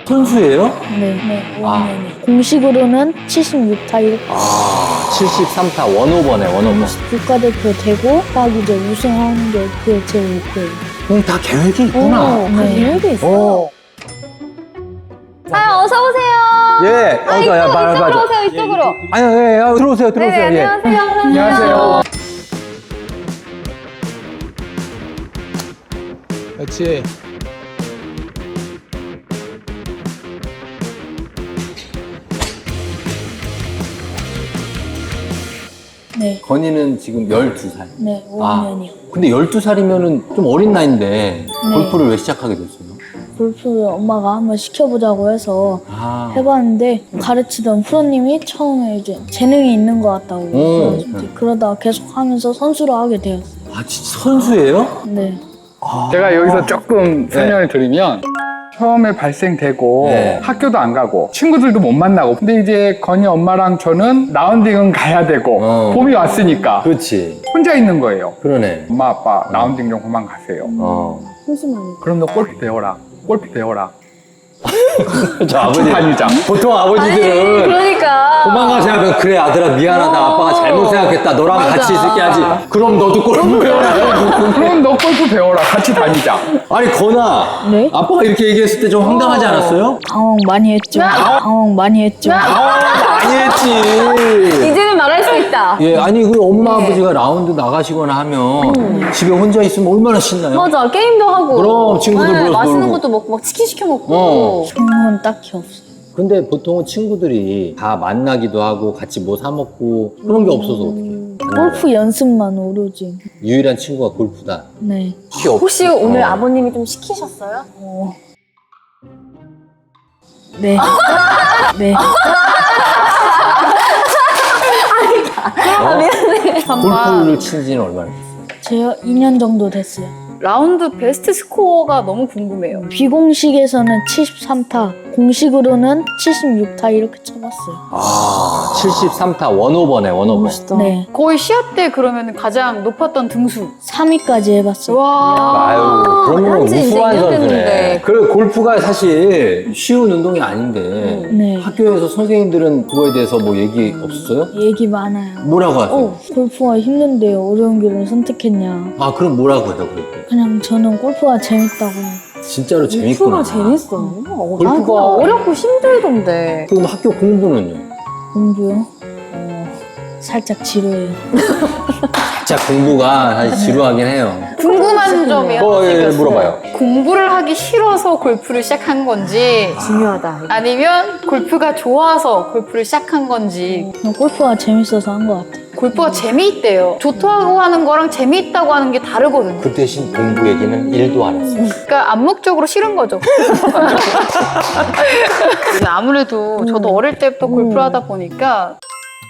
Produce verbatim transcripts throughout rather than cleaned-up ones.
선수예요? 네, 네, 오 학년이. 아. 공식으로는 칠십육 타 이렇게. 아, 칠십삼 타 원오버네, 원오버. 국가대표 되고 딱 이제 우승하는 게 그게 제 목표예요. 그럼 다 계획이 있구나. 오, 네. 계획이 있어. 어. 아, 어서 오세요. 예, 아, 어, 이쪽, 야, 이쪽으로 맞아, 맞아. 오세요, 이쪽으로. 아니, 예, 예, 들어오세요, 들어오세요. 네, 예. 안녕하세요. 안녕하세요. 그렇지. 네, 건이는 지금 열두 살. 네, 오 아. 학년이요. 근데 열두 살이면은 좀 어린 나이인데 네. 골프를 왜 시작하게 됐어요? 골프를 엄마가 한번 시켜보자고 해서 아. 해봤는데 가르치던 프로님이 처음에 이제 재능이 있는 것 같다고 오. 그래가지고 이제 그러다가 계속 하면서 선수로 하게 되었어요. 아, 진짜 선수예요? 네. 제가 여기서 조금 설명을 드리면 처음에 발생되고 네. 학교도 안 가고 친구들도 못 만나고 근데 이제 건이 엄마랑 저는 라운딩은 가야 되고 어. 봄이 왔으니까 그렇지. 혼자 있는 거예요. 그러네. 엄마 아빠 라운딩 좀 그만 가세요. 어. 그럼 너 골프 배워라. 골프 배워라. 저 아버지. 다니자. 보통 아니, 아버지들은 그러니까. 도망가 생각하면 그래 아들아 미안하다 아빠가 잘못 생각했다 너랑 맞아. 같이 있을게 하지 그럼 너도 골프 배워라. 그럼 너 골프 배워라. 같이 다니자. 아니 건아 네? 아빠가 이렇게 얘기했을 때 좀 황당하지 않았어요? 당황 많이 했죠. 당황 많이 했죠. 아 많이 했지. 이제는 말할 수 있다. 예 아니 그 엄마 아버지가 라운드 나가시거나 하면 집에 혼자 있으면 얼마나 신나요? 맞아, 게임도 하고. 그럼 친구들 불러서 맛있는 놀고. 것도 먹고, 막 치킨 시켜 먹고. 어. 그런 딱히 없어요. 근데 보통은 친구들이 다 만나기도 하고 같이 뭐 사 먹고 그런 게 없어서 어떡해. 골프 연습만 오로지. 유일한 친구가 골프다. 네. 혹시 없- 혹시 오늘 어. 아버님이 좀 시키셨어요? 어. 네. 네. 어? 골프를 친 지는 얼마나 됐어요? 제가 이 년 정도 됐어요. 라운드 베스트 스코어가 너무 궁금해요. 비공식에서는 칠십삼 타, 공식으로는 칠십육 타 이렇게 쳐봤어요. 아, 칠십삼 타 원오버네, 원오버. 네. 거의 시합 때 그러면 가장 높았던 등수. 삼 위까지 해봤어요. 와. 아유, 그러면 한지 이제 우수한 이 년 선수네. 됐는데. 그래, 골프가 사실 쉬운 운동이 아닌데, 네. 학교에서 선생님들은 그거에 대해서 뭐 얘기 없었어요? 얘기 많아요. 뭐라고 하세요? 어, 골프가 힘든데 어려운 길을 선택했냐. 아, 그럼 뭐라고 해요, 그랬더니? 그냥 저는 골프가 재밌다고. 진짜로 재밌구나. 골프가 재밌어요. 어, 골프가- 난 그냥 어렵고 힘들던데. 그럼 학교 공부는요? 공부요? 어, 살짝 지루해요. 진짜 공부가 사실 지루하긴 해요. 궁금한 점이 하나 어, 예, 예, 생겼어요. 물어봐요. 공부를 하기 싫어서 골프를 시작한 건지 중요하다. 아니면 골프가 좋아서 골프를 시작한 건지. 그냥 골프가 재밌어서 한 것 같아요. 골프가 재미있대요. 좋다고 하는 거랑 재미있다고 하는 게 다르거든요. 그 대신 공부 얘기는 일도 안 했어요. 그러니까 암묵적으로 싫은 거죠. 근데 아무래도 저도 어릴 때부터 골프를 하다 보니까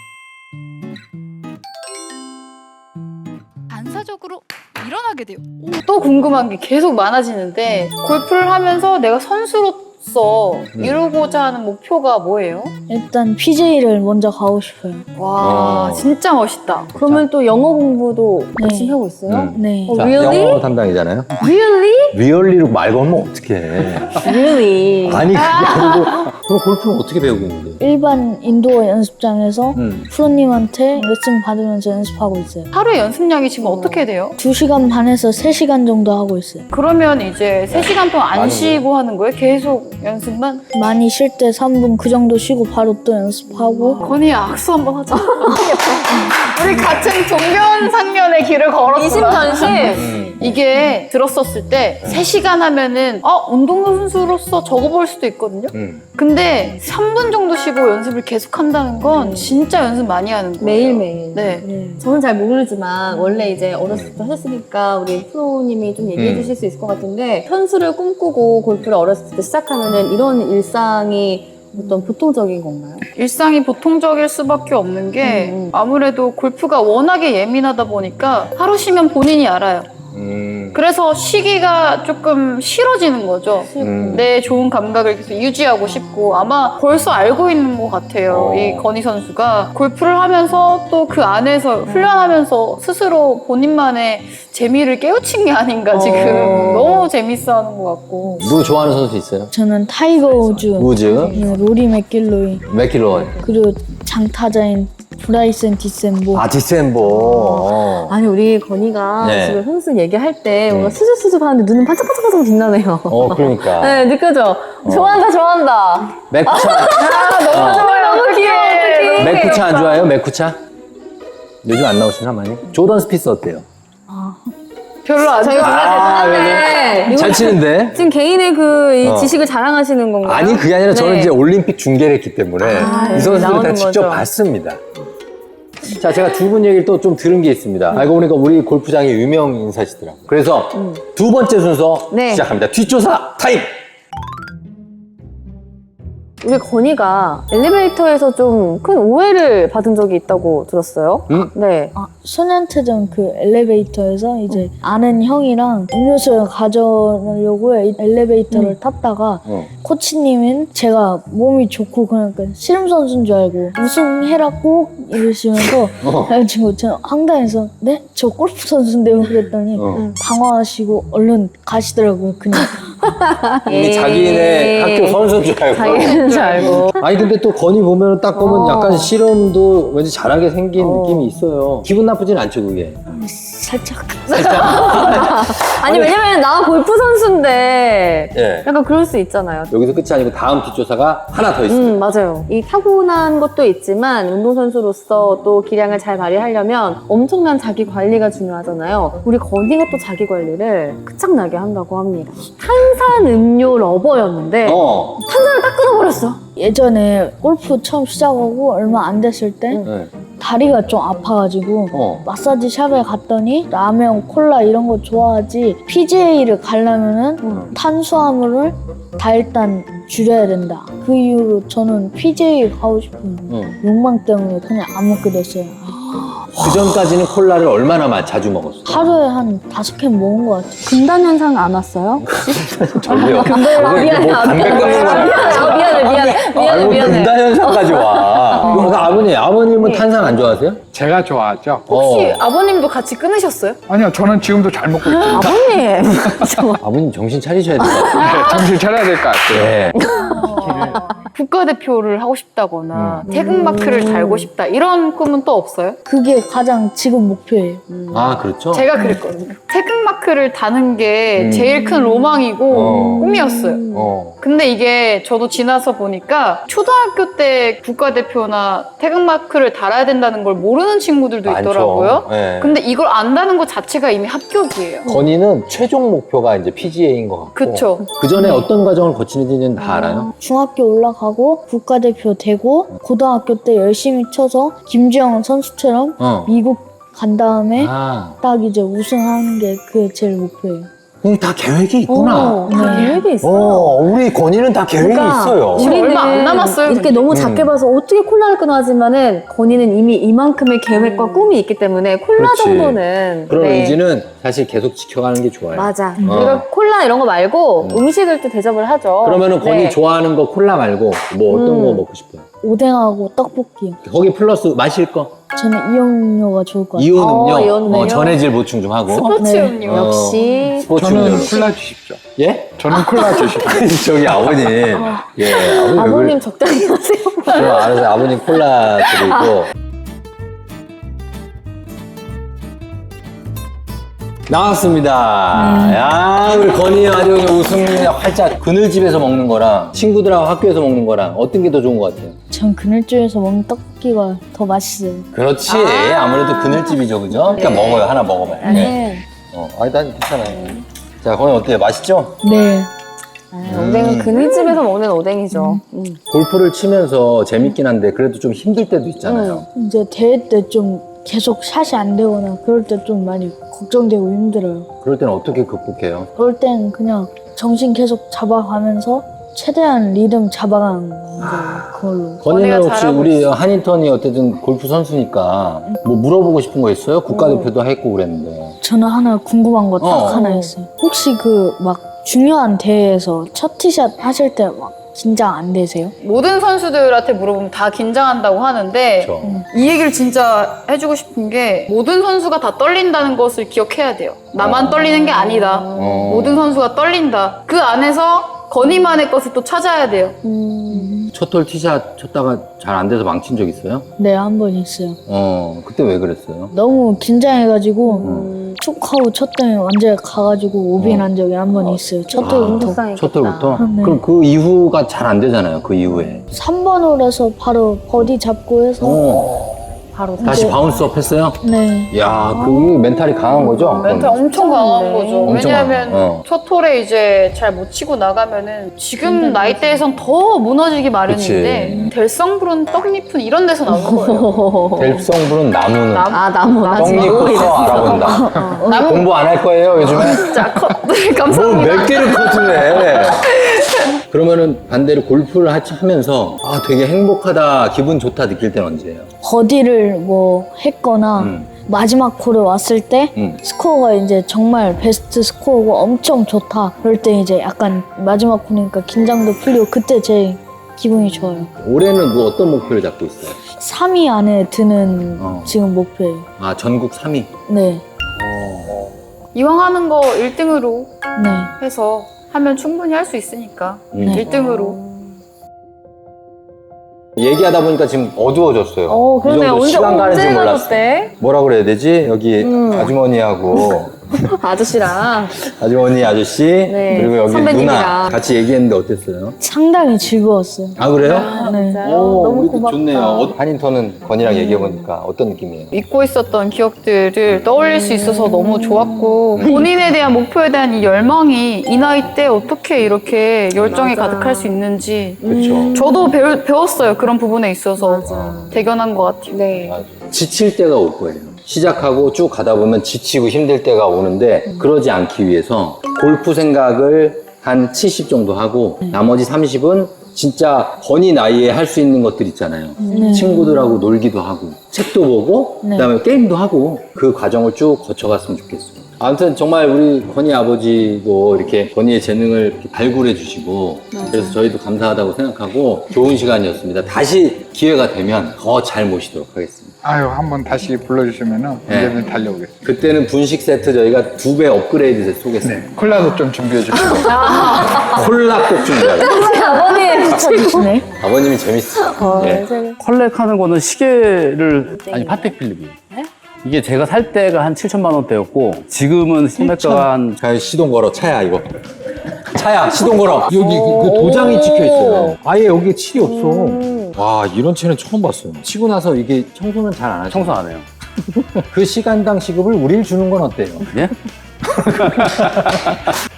반사적으로 일어나게 돼요. 또 궁금한 게 계속 많아지는데 골프를 하면서 내가 선수로서 이루고자 하는 목표가 뭐예요? 일단 피지에이를 먼저 가고 싶어요. 와 어. 진짜 멋있다. 그러면 또 영어 공부도 네. 열심히 하고 있어요? 음. 네. 어, 자, really? 영어 담당이잖아요. Really? 리얼리로 말 걸면 어떡해. Really? 아니, 그게 아니고. 그럼 골프는 어떻게 배우고 있는데? 일반 인도어 연습장에서 음. 프로님한테 레슨 받으면서 연습하고 있어요. 하루에 연습량이 지금 어떻게 돼요? 두 시간 반에서 세 시간 정도 하고 있어요. 그러면 이제 세 시간 동안 안 많이 쉬고 하는 거예요? 계속 연습만? 많이 쉴 때 삼 분 그 정도 쉬고 바로 또 연습하고. 건희 악수 한번 하자. 우리 같은 동면상련의 길을 걸었구나. 이심전심? 음. 이게 들었었을 때 세 시간 하면은 어 운동선수로서 적어볼 수도 있거든요. 음. 근데 삼 분 정도 쉬고 연습을 계속 한다는 건 진짜 연습 많이 하는 거예요. 매일매일. 네. 네. 저는 잘 모르지만 원래 이제 어렸을 때 하셨으니까 우리 프로님이 좀 얘기해 음. 주실 수 있을 것 같은데 선수를 꿈꾸고 골프를 어렸을 때 시작하면은 이런 일상이 어떤 보통적인 건가요? 일상이 보통적일 수밖에 없는 게 음, 음. 아무래도 골프가 워낙에 예민하다 보니까 하루 쉬면 본인이 알아요. 음. 그래서 쉬기가 조금 싫어지는 거죠. 음. 내 좋은 감각을 계속 유지하고 싶고 아마 벌써 알고 있는 것 같아요. 어. 이 건희 선수가 골프를 하면서 또 그 안에서 훈련하면서 스스로 본인만의 재미를 깨우친 게 아닌가 지금 어. 너무 재밌어하는 것 같고. 누구 좋아하는 선수 있어요? 저는 타이거 우즈, 우즈, 네, 로리 맥길로이, 맥킬로이, 그리고 장타자인 브라이슨 디셈보. 아 디셈보. 어. 아니 우리 건이가 네. 지금 선수 얘기할 때 뭔가 음. 수줍수줍 하는데 눈은 반짝반짝반짝 빛나네요. 어 그러니까. 네, 느껴져. 좋아한다, 좋아한다. 맥쿠차. 너무 어. 좋아요. 너무 귀여워. 어떡해. 맥쿠차 안 좋아해요? 맥쿠차? 요즘 안 나오시나 많이? 조던 스피스 어때요? 별로 안 저희가 좋아. 정말 대단한데. 잘 치는데? 지금 개인의 그 이 어. 지식을 자랑하시는 건가요? 아니 그게 아니라 저는 네. 이제 올림픽 중계를 했기 때문에 아, 이 선수들을 다 나오는 직접 거죠. 봤습니다. 자, 제가 두 분 얘기를 또 좀 들은 게 있습니다. 알고 보니까 우리 골프장의 유명 인사시더라고요. 그래서 두 번째 순서 네. 시작합니다. 뒷조사 타임! 우리 건이가 엘리베이터에서 좀 큰 오해를 받은 적이 있다고 들었어요. 음? 네. 아, 소년체전 그 엘리베이터에서 이제 아는 형이랑 음료수를 가져오려고 엘리베이터를 탔다가 어. 코치님은 제가 몸이 좋고 그러니까 씨름 선수인 줄 알고 우승해라 꼭 이러시면서 어. 그래가지고 저는 황당해서 네? 저 골프 선수인데요 그랬더니 어. 당황하시고 얼른 가시더라고요 그냥. 이미 자기네 학교 선수인 줄 알고. 자기는 줄 알고. 아니 근데 또 건이 보면 딱 보면 어. 약간 씨름도 왠지 잘하게 생긴 어. 느낌이 있어요. 기분 나쁘진 않죠 그게. 살짝 아니, 왜냐면 나 골프 선수인데 예. 약간 그럴 수 있잖아요. 여기서 끝이 아니고 다음 뒷조사가 하나 더 있습니다. 음, 맞아요. 이 타고난 것도 있지만 운동선수로서 또 기량을 잘 발휘하려면 엄청난 자기 관리가 중요하잖아요. 우리 건이가 또 자기 관리를 끝장나게 한다고 합니다. 탄산음료 러버였는데 어. 탄산을 딱 끊어버렸어. 예전에 골프 처음 시작하고 얼마 안 됐을 때 네. 다리가 좀 아파가지고 어. 마사지 샵에 갔더니 라면, 콜라 이런 거 좋아하지 피지에이를 가려면은 음. 탄수화물을 다 일단 줄여야 된다. 그 이후로 저는 피지에이 가고 싶은 응. 욕망 때문에 그냥 안 먹게 됐어요. 그 전까지는 콜라를 얼마나 마- 자주 먹었어? 하루에 한 다섯 캔 먹은 것 같아요. 금단 현상 안 왔어요? 저기요. 아, 미안해. 뭐 아, 담배 미안해. 끊는 거 아, 미안해. 미안해. 미안해. 아이고 미안해. 금단 현상까지 와. 그럼 아버님, 아버님은 네. 탄산 안 좋아하세요? 제가 좋아하죠. 혹시 어. 아버님도 같이 끊으셨어요? 아니요, 저는 지금도 잘 먹고 있습니다. 아버님. 아버님 정신 차리셔야 돼요. 네, 정신 차려야 될 것 같아요. 네. 국가대표를 하고 싶다거나 음. 태극마크를 달고 싶다 이런 꿈은 또 없어요? 그게 가장 지금 목표예요. 아 그렇죠. 제가 그랬거든요. 태극마크를 다는 게 음. 제일 큰 로망이고 어. 꿈이었어요. 어. 근데 이게 저도 지나서 보니까 초등학교 때 국가대표나 태극마크를 달아야 된다는 걸 모르는 친구들도 많죠. 있더라고요. 네. 근데 이걸 안다는 것 자체가 이미 합격이에요. 건이는 최종 목표가 이제 피지에이인 것 같고. 그쵸. 그 전에 어떤 과정을 거치는지는 다 알아요? 중학교 올라가고 국가대표 되고 고등학교 때 열심히 쳐서 김주영 선수처럼 어. 미국 간 다음에 아, 딱 이제 우승하는 게 그게 제일 목표예요. 그럼 다 계획이 있구나. 어, 다 네. 계획이 있어. 어, 우리 건이는 다 계획이 그러니까 있어요. 우리- 지금 얼마 안 남았어요, 이렇게 근데. 너무 음. 작게 봐서 어떻게 콜라를 끊어 하지만은 건이는 이미 이만큼의 계획과 꿈이 있기 때문에 콜라 그렇지. 정도는 그런 네. 의지는 사실 계속 지켜가는 게 좋아요. 맞아. 음. 우리가 콜라 이런 거 말고 음. 식을 또 대접을 하죠. 그러면은 건이 네. 좋아하는 거 콜라 말고 뭐 어떤 음. 거 먹고 싶어요? 오뎅하고 떡볶이요. 거기 플러스 마실 거? 저는 이온음료가 좋을 것 같아요. 이온 음료, 어, 이온 음료. 어, 전해질 보충 좀 하고. 스포츠 네. 음료. 어. 역시 스포츠 저는 음료. 콜라 주십시오. 예? 저는 콜라 주십시오. 아니, 저기 아버님. 예, 아버님. 왜 아버님 그래? 적당히 하세요. 그럼 알아서 아버님 콜라 드리고. 나왔습니다. 야, 우리 건이 아주 그냥 웃음이 활짝 그늘집에서 먹는 거랑 친구들하고 학교에서 먹는 거랑 어떤 게 더 좋은 것 같아요? 전 그늘집에서 먹는 떡볶이가 더 맛있어요. 그렇지. 아~ 무래도 그늘집이죠, 그죠? 그러니까 먹어요. 하나 먹어봐요. 네. 네. 어, 아니, 난 괜찮아요. 자, 건이 어때요? 맛있죠? 네. 아, 오뎅은 그늘집에서 먹는 오뎅이죠. 음. 골프를 치면서 재밌긴 한데 그래도 좀 힘들 때도 있잖아요. 이제 대회 때 좀 계속 샷이 안 되거나 그럴 때 좀 많이 걱정되고 힘들어요. 그럴 때는 어떻게 극복해요? 그럴 땐 그냥 정신 계속 잡아가면서 최대한 리듬 잡아가는 거 그걸로. 건이는 건이가 혹시 잘하고 우리 있어. 한인턴이 어쨌든 골프 선수니까 뭐 물어보고 싶은 거 있어요? 국가대표도 했고 그랬는데. 저는 하나 궁금한 거 딱 어. 하나 있어요. 혹시 그 막 중요한 대회에서 첫 티샷 하실 때 막 긴장 안 되세요? 모든 선수들한테 물어보면 다 긴장한다고 하는데 그렇죠. 이 얘기를 진짜 해주고 싶은 게 모든 선수가 다 떨린다는 것을 기억해야 돼요. 나만 어. 떨리는 게 아니다. 어. 모든 선수가 떨린다. 그 안에서 건이만의 것을 또 찾아야 돼요. 첫홀 티샷 쳤다가 잘 안 돼서 망친 적 있어요? 네, 한 번 있어요. 어, 그때 왜 그랬어요? 너무 긴장해가지고 음. 툭 하고 쳤더니 완전히 가가지고 오비 어. 난 적이 한 번 있어요. 첫 아. 돌부터. 불쌍했겠다. 첫홀부터? 네. 그럼 그 이후가 잘 안 되잖아요, 그 이후에. 삼 번 홀에서 바로 버디 잡고 해서 어, 바로 다시 이제- 바운스업 했어요? 네. 야, 그 멘탈이 강한 거죠? 멘탈 엄청 강한 거죠. 엄청 왜냐하면 강해. 어. 첫 홀에 이제 잘 못 치고 나가면은 지금 나이대에선 더 무너지기 마련인데 델성부른 떡잎은 이런 데서 나오는 거예요. 델성부른 나무는 아 나무 나 지금 떡잎부터 알아본다. 나무 공부 안 할 거예요, 요즘에? 진짜 컷. 뭐 감사합니다. 몇 개를 커트를 해. 그러면은 반대로 골프를 하- 하면서 아, 되게 행복하다, 기분 좋다 느낄 때는 언제예요? 버디를 뭐 했거나 음. 마지막 홀에 왔을 때 음. 스코어가 이제 정말 베스트 스코어고 엄청 좋다. 그럴 때 이제 약간 마지막 홀이니까 긴장도 풀리고 그때 제일 기분이 좋아요. 올해는 뭐 어떤 목표를 잡고 있어요? 삼 위 안에 드는 어. 지금 목표예요. 아, 전국 삼 위. 네. 이왕 하는 거 일 등으로 네. 해서 하면 충분히 할 수 있으니까 음. 네. 일 등으로. 얘기하다 보니까 지금 어두워졌어요. 어 이 그러네. 정도 언제 시간 가는 줄 언제 몰랐어. 가졌대? 뭐라 그래야 되지? 여기 음. 아주머니하고 아저씨랑 아주머니 아저씨 그리고 여기 선배님이랑. 누나 같이 얘기했는데 어땠어요? 상당히 즐거웠어요. 아, 그래요? 네. 진짜요? 너무 고맙다. 좋네요. 어, 한인턴은 건이랑 얘기해보니까 어떤 느낌이에요? 잊고 있었던 기억들을 떠올릴 수 있어서 너무 좋았고 본인에 대한 목표에 대한 이 열망이 이 나이 때 어떻게 이렇게 열정이 맞아. 가득할 수 있는지 그렇죠. 저도 배우, 배웠어요. 그런 부분에 있어서 맞아. 대견한 것 같아요. 네. 맞아. 지칠 때가 올 거예요. 시작하고 쭉 가다 보면 지치고 힘들 때가 오는데 그러지 않기 위해서 골프 생각을 한 칠십 정도 하고 나머지 삼십은 진짜 건이 나이에 할 수 있는 것들 있잖아요. 네. 친구들하고 놀기도 하고 책도 보고 네. 그다음에 게임도 하고 그 과정을 쭉 거쳐갔으면 좋겠어요. 아무튼 정말 우리 건이 아버지도 이렇게 건이의 재능을 이렇게 발굴해 주시고 그래서 저희도 감사하다고 생각하고 좋은 시간이었습니다. 다시 기회가 되면 더 잘 모시도록 하겠습니다. 아유, 한번 다시 불러주시면은 네. 언제든 달려오겠습니다. 그때는 분식 세트 저희가 두 배 업그레이드 쏘겠습니다. 네, 콜라도 좀 준비해 주시고. 콜라 꼭 준비하고. 아버님. 네. 아버님이 재밌어. 어, 예. 재밌- 컬렉하는 거는 시계를 아니 파텍 필립이에요. 이게 제가 살 때가 한 칠천만 원대였고 지금은 소매가가 한 자, 시동 걸어. 차야, 이거. 차야, 시동 걸어. 여기 그, 그 도장이 찍혀 있어요. 아예 여기에 칠이 없어. 와, 이런 채는 처음 봤어요. 치고 나서 이게 청소는 잘 안 하죠. 청소 안 해요. 그 시간당 시급을 우릴 주는 건 어때요? 예?